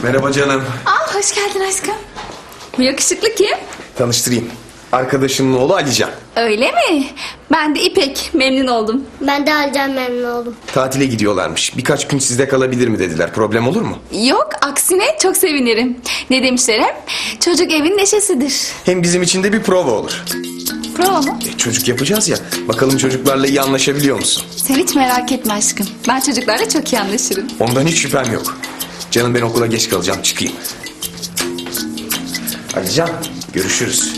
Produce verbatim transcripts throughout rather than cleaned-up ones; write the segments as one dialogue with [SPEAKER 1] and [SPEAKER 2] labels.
[SPEAKER 1] Merhaba canım.
[SPEAKER 2] Aa, hoş geldin aşkım. Bu yakışıklı kim?
[SPEAKER 1] Tanıştırayım. Arkadaşımın oğlu Alican.
[SPEAKER 2] Öyle mi? Ben de İpek. Memnun oldum.
[SPEAKER 3] Ben de Alican memnun oldum.
[SPEAKER 1] Tatile gidiyorlarmış. Birkaç gün sizde kalabilir mi dediler. Problem olur mu?
[SPEAKER 2] Yok, aksine çok sevinirim. Ne demişler hep? Çocuk evin neşesidir.
[SPEAKER 1] Hem bizim için de bir prova olur.
[SPEAKER 2] Prova mu?
[SPEAKER 1] E, çocuk yapacağız ya. Bakalım çocuklarla iyi anlaşabiliyor musun?
[SPEAKER 2] Sen hiç merak etme aşkım. Ben çocuklarla çok iyi anlaşırım.
[SPEAKER 1] Ondan hiç şüphem yok. Canım ben okula geç kalacağım. Çıkayım. Alican görüşürüz.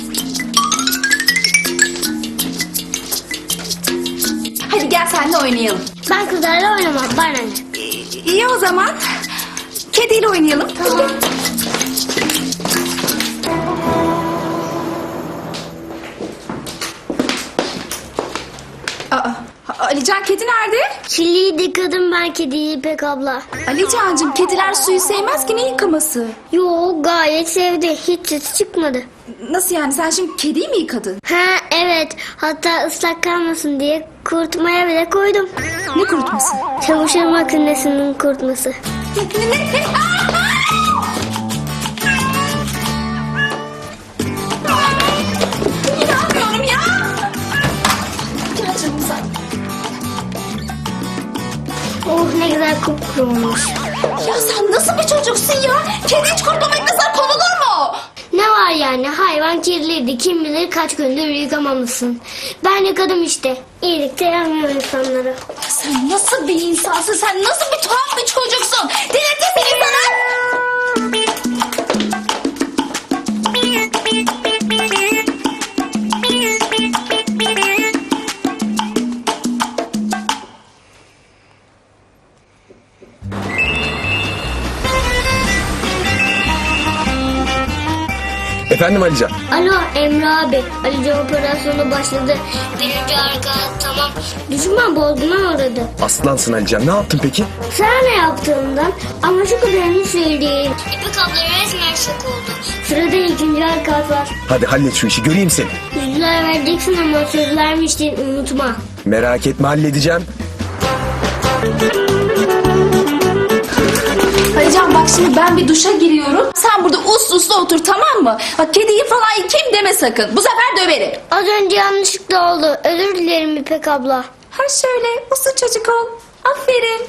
[SPEAKER 2] Hadi gel seninle oynayalım.
[SPEAKER 3] Ben kızlarla oynamam. Bana ne?
[SPEAKER 2] İyi o zaman. Kediyle oynayalım.
[SPEAKER 3] Tamam.
[SPEAKER 2] Aa, Alican, kedi nerede?
[SPEAKER 3] Çilliyi yıkadım ben kediyi İpek abla.
[SPEAKER 2] Alicancığım, kediler suyu sevmez ki, ne yıkaması?
[SPEAKER 3] Yo, gayet sevdi. Hiç sesi çıkmadı.
[SPEAKER 2] Nasıl yani, sen şimdi kediyi mi yıkadın?
[SPEAKER 3] Ha evet. Hatta ıslak kalmasın diye kurutmaya bile koydum.
[SPEAKER 2] Ne kurutması?
[SPEAKER 3] Çamaşır makinesinin kurutması.
[SPEAKER 2] Ne, ne, ne? Aa, aa! İnanmıyorum ya. Gel canım sen.
[SPEAKER 3] Oh ne güzel kupkuru olmuş.
[SPEAKER 2] Ya sen nasıl bir çocuksun ya? Kedi hiç kurutmamak nasıl konulur mu?
[SPEAKER 3] Ne var yani, hayvan kirliydi. Kim bilir kaç gündür yıkamamışsın. Ben yıkadım işte. İyilik de yaramıyor insanlara.
[SPEAKER 2] Sen nasıl bir insansın? Sen nasıl bir tuhaf bir çocuksun? Delirtirsin insanı.
[SPEAKER 1] Efendim Alican.
[SPEAKER 3] Alo Emre abi. Alican operasyonu başladı. Birinci arka tamam. Düşman bozguna uğradı.
[SPEAKER 1] Aslansın Alican. Ne yaptın peki?
[SPEAKER 3] Sana ne yaptığımdan ama şu kadarını söyleyeyim. İpek abla resmen şok oldu. Sırada ikinci arka var.
[SPEAKER 1] Hadi hallet şu işi. Göreyim seni.
[SPEAKER 3] Yüzler vereceksin ama söz vermiştin, unutma.
[SPEAKER 1] Merak etme, halledeceğim.
[SPEAKER 2] Alican bak, şimdi ben bir duşa giriyorum. Sen burada uslu uslu otur, tamam mı? Bak, kediyi falan yıkayayım deme sakın. Bu sefer döverim.
[SPEAKER 3] Az önce yanlışlıkla oldu. Özür dilerim İpek abla.
[SPEAKER 2] Ha şöyle, uslu çocuk ol. Aferin.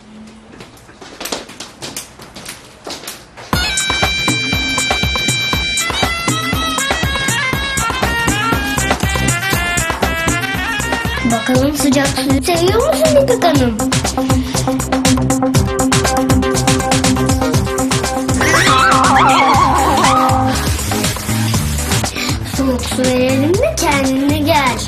[SPEAKER 3] Bakalım sıcak suyu seviyor musun İpek Hanım? Soğuk su verelim de kendine gel.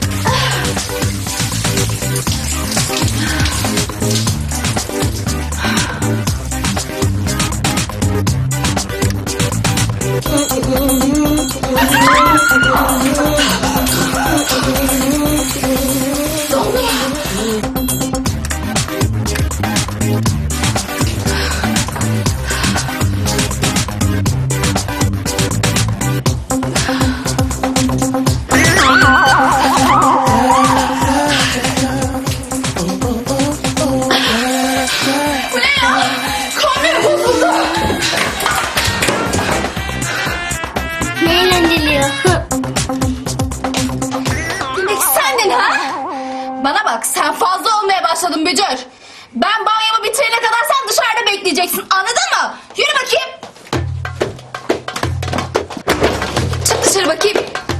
[SPEAKER 3] Ne eğlenceli ya.
[SPEAKER 2] Demek sendin ha? Bana bak, sen fazla olmaya başladın Bücür. Ben banyomu bitirene kadar sen dışarıda bekleyeceksin, anladın mı? Yürü bakayım. Çık dışarı bakayım.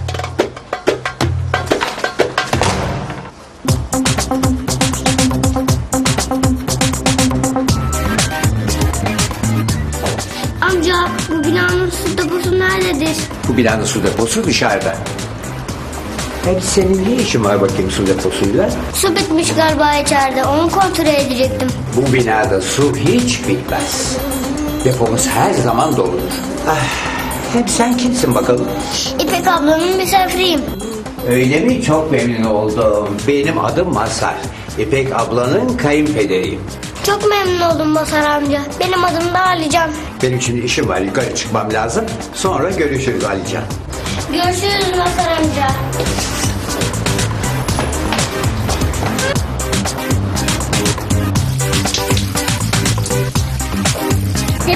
[SPEAKER 3] Amca bu binanın su deposu nerededir?
[SPEAKER 4] Bu binanın su deposu dışarıda. Peki senin ne işin var bakayım su deposuyla?
[SPEAKER 3] Su bitmiş galiba içeride. Onu kontrol edecektim.
[SPEAKER 4] Bu binada su hiç bitmez. Depomuz her zaman doludur. Ah, hem sen kimsin bakalım?
[SPEAKER 3] İpek ablanın misafiriyim.
[SPEAKER 4] Öyle mi? Çok memnun oldum. Benim adım Mazhar. İpek ablanın kayınpederiyim.
[SPEAKER 3] Çok memnun oldum Mazhar amca. Benim adım da Alican.
[SPEAKER 4] Benim şimdi işim var. Yukarı çıkmam lazım. Sonra görüşürüz Alican.
[SPEAKER 3] Görüşürüz Mazhar amca.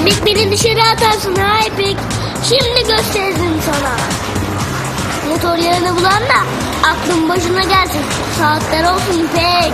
[SPEAKER 3] İpek beni dışarı atarsın ha İpek. Şimdi gösterdim sana. Motor yağını bulan da aklın başına gelsin. Saatler olsun İpek.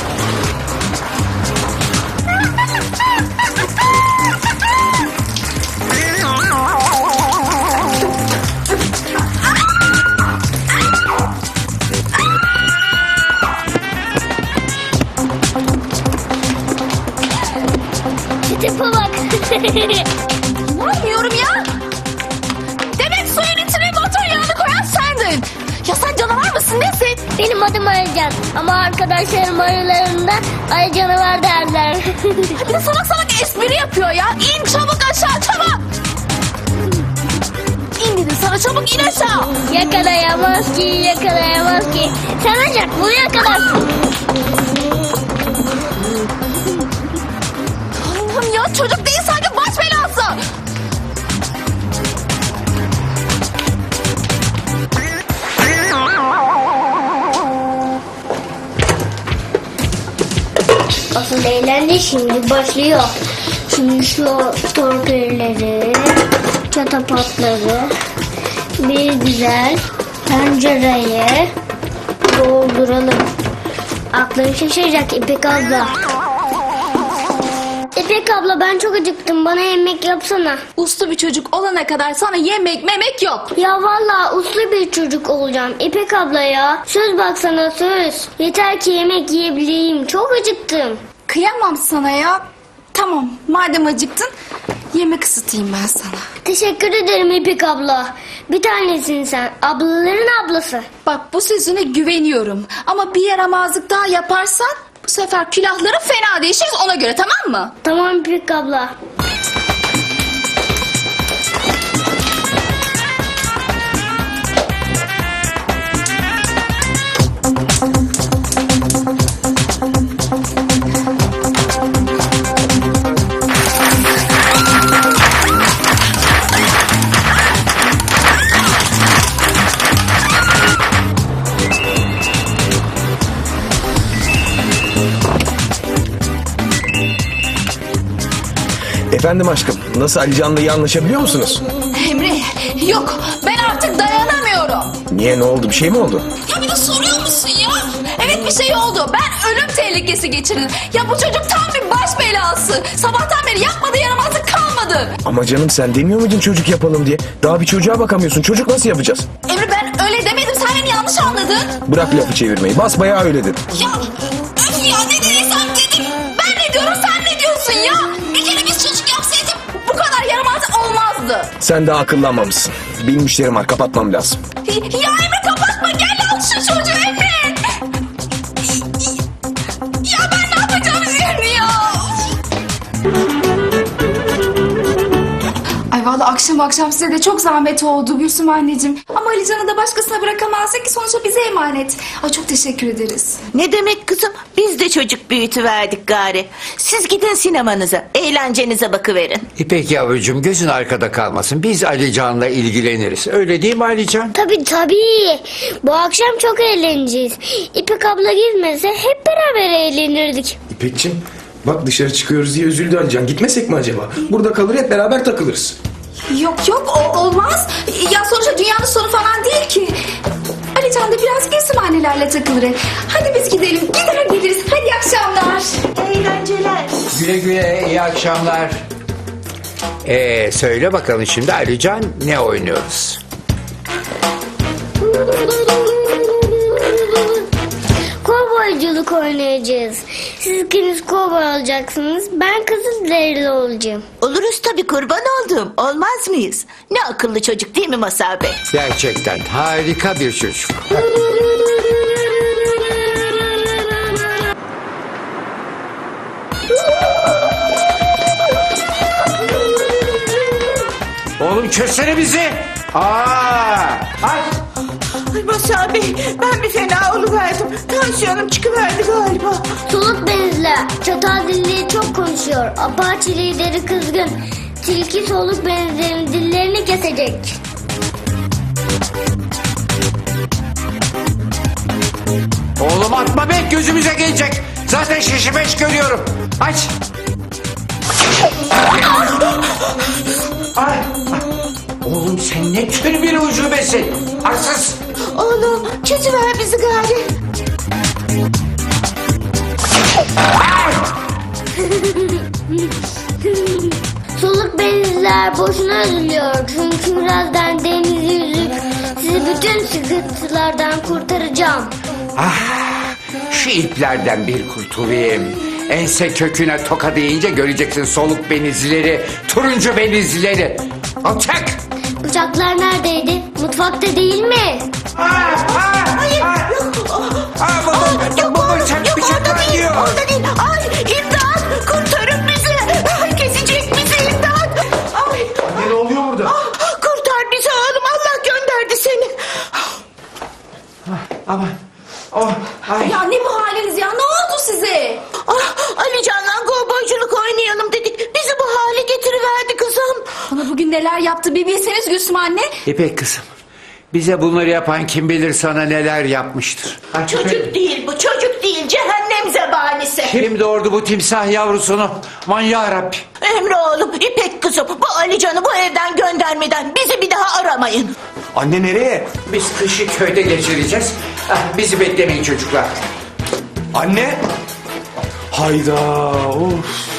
[SPEAKER 3] Tipe bak.
[SPEAKER 2] İnanmıyorum ya. Demek suyun içine motor yağını koyan sendin. Ya sen canavar mısın nesin?
[SPEAKER 3] Benim adım Alican ama arkadaşlarım aralarında Ali canavar derler.
[SPEAKER 2] Bir de salak salak espri yapıyor ya. İn çabuk aşağı çabuk. İn dedim sana çabuk in aşağı.
[SPEAKER 3] Yakalayamaz ki, yakalayamaz ki. Sen ancak bunu yakalarsın.
[SPEAKER 2] Allah'ım ya çocuk değil sanki baş belası.
[SPEAKER 3] Asıl eğlence şimdi başlıyor. Şimdi şu torpilleri, çatapatları bir güzel tencereye dolduralım. Aklın şaşıracak İpek abla. İpek abla ben çok acıktım. Bana yemek yapsana.
[SPEAKER 2] Uslu bir çocuk olana kadar sana yemek memek yok.
[SPEAKER 3] Ya vallahi uslu bir çocuk olacağım. İpek abla ya. Söz baksana söz. Yeter ki yemek yiyebileyim. Çok acıktım.
[SPEAKER 2] Kıyamam sana ya. Tamam madem acıktın yemek ısıtayım ben sana.
[SPEAKER 3] Teşekkür ederim İpek abla. Bir tanesin sen. Ablaların ablası.
[SPEAKER 2] Bak bu sözüne güveniyorum. Ama bir yaramazlık daha yaparsan bu sefer külahları fena değişiriz ona göre tamam mı?
[SPEAKER 3] Tamam İpek abla.
[SPEAKER 1] Efendim aşkım, nasıl Alican'la iyi anlaşabiliyor musunuz?
[SPEAKER 2] Emre yok ben artık dayanamıyorum.
[SPEAKER 1] Niye, ne oldu, bir şey mi oldu?
[SPEAKER 2] Ya bir de soruyor musun ya? Evet bir şey oldu. Ben ölüm tehlikesi geçirdim. Ya bu çocuk tam bir baş belası. Sabahtan beri yapmadığı yaramazlık kalmadı.
[SPEAKER 1] Ama canım sen demiyor muydun çocuk yapalım diye? Daha bir çocuğa bakamıyorsun, çocuk nasıl yapacağız?
[SPEAKER 2] Emre ben öyle demedim. Sen beni yanlış anladın.
[SPEAKER 1] Bırak lafı çevirmeyi, basbayağı öyle dedin.
[SPEAKER 2] Ya öf ya ne dediysem dedim. Ben ne diyorum sen ne diyorsun ya? Bir kere biz çocuk yapsaydık bu kadar yaramazlık olmazdı.
[SPEAKER 1] Sen daha akıllanmamışsın. Benim işlerim var, kapatmam lazım.
[SPEAKER 2] Ya Emre kapatma gel al şu çocuğu Emre. Ya ben ne yapacağım şimdi ya? Ay vallahi akşam akşam size de çok zahmet oldu Gülsüm anneciğim. Ama Alican'ı da başkasına bırakamazsak ki sonuçta bize emanet. Ay çok teşekkür ederiz.
[SPEAKER 5] Ne demek kızım? Biz de çocuk büyütüverdik gari. Siz gidin sinemanıza, eğlencenize bakıverin.
[SPEAKER 4] İpek yavrucuğum gözün arkada kalmasın. Biz Alican'la ilgileniriz. Öyle değil mi Alican?
[SPEAKER 3] Tabii tabii. Bu akşam çok eğleneceğiz. İpek abla gitmese hep beraber eğlenirdik.
[SPEAKER 1] İpekçim, bak dışarı çıkıyoruz diye üzüldü Alican. Gitmesek mi acaba? Burada kalır hep beraber takılırız.
[SPEAKER 2] Yok yok o, olmaz. Ya sonuçta dünyanın sonu falan değil ki. Alican da biraz Gülsüm annelerle takılır. Hadi biz gidelim. Gider geliriz. Hadi iyi akşamlar.
[SPEAKER 5] Eğlenceler.
[SPEAKER 4] Güle güle, iyi akşamlar. Ee, söyle bakalım şimdi Alican ne oynuyoruz?
[SPEAKER 3] Kovboyculuk oynayacağız. Siz ikiniz kovboy olacaksınız. Ben Kızılderili olacağım.
[SPEAKER 5] Oluruz tabii kurban oldum. Olmaz mıyız? Ne akıllı çocuk değil mi Masar Bey?
[SPEAKER 4] Gerçekten harika bir çocuk. Oğlum çözsene bizi. Aa! Ay!
[SPEAKER 5] Ay Masar Bey, ben bir fena oluverdim. Tansiyonum çıkıverdi galiba.
[SPEAKER 3] Soluk benizli. Çatal dilli çok konuşuyor. Apache lideri kızgın. Tilki soluk benizlerin dillerini kesecek.
[SPEAKER 4] Oğlum atma be, gözümüze gelecek. Zaten şişi beş görüyorum. Aç. Ay, ay. Oğlum sen ne tür bir ucubesin? Arsız.
[SPEAKER 5] Oğlum çözüver bizi gari.
[SPEAKER 3] Soluk benizler boşuna üzülüyor. Çünkü birazdan deniz yüzüp sizi bütün sıkıntılardan kurtaracağım.
[SPEAKER 4] Şu iplerden bir kurtulayım. Ense köküne toka deyince göreceksin soluk benizleri, turuncu benizleri. Alçak!
[SPEAKER 3] Uçaklar neredeydi? Mutfakta değil mi?
[SPEAKER 5] Hayır yok.
[SPEAKER 4] Aa, bu, bu,
[SPEAKER 5] Yok
[SPEAKER 4] bu, bu
[SPEAKER 5] orada,
[SPEAKER 4] bıçak
[SPEAKER 5] yok
[SPEAKER 4] bıçak
[SPEAKER 5] orada değil,
[SPEAKER 4] diyor.
[SPEAKER 5] orada değil. Ay imdat, kurtarın bizi. Ay, kesecek bizi imdat. Ay,
[SPEAKER 1] Ne oluyor burada?
[SPEAKER 5] kurtar bizi oğlum, Allah gönderdi seni.
[SPEAKER 4] Aman. Oh, ay.
[SPEAKER 2] Ya ne bu haliniz ya? Ne oldu size?
[SPEAKER 5] Ah, Ali Can'la kovboyculuk oynayalım dedik. Bizi bu hale getiriverdi kızım.
[SPEAKER 2] Bana bugün neler yaptı bir bilseniz Gülsüm anne.
[SPEAKER 4] İpek kızım. Bize bunları yapan kim bilir sana neler yapmıştır. Ay,
[SPEAKER 5] Çocuk değil bu, çocuk değil. Cehennem zebanisi.
[SPEAKER 4] Kim doğurdu bu timsah yavrusunu? Aman yarabbi.
[SPEAKER 5] Emre oğlum, İpek kızım. Bu Ali Can'ı bu evden göndermeden bizi bir daha aramayın.
[SPEAKER 1] Anne nereye?
[SPEAKER 4] Biz kışı köyde geçireceğiz. Ah, bizi beklemeyin çocuklar.
[SPEAKER 1] Anne. Hayda. Of.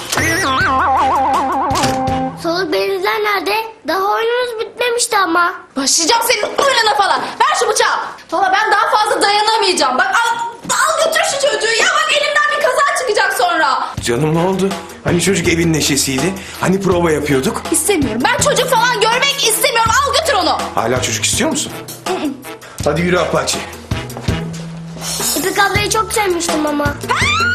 [SPEAKER 3] Soluk benizler nerede? Daha oyunumuz bitmemişti ama.
[SPEAKER 2] Başlayacağım senin oyununa falan. Ver şu bıçağı. Valla ben daha fazla dayanamayacağım. Bak al, al götür şu çocuğu ya. Bak elimden bir kaza çıkacak sonra.
[SPEAKER 1] Canım ne oldu? Hani çocuk evin neşesiydi? Hani prova yapıyorduk?
[SPEAKER 2] İstemiyorum. Ben çocuk falan görmek istemiyorum. Al götür onu.
[SPEAKER 1] Hala çocuk istiyor musun? Hadi yürü Apache.
[SPEAKER 3] İpek ablayı çok sevmiştim ama.
[SPEAKER 2] Ha?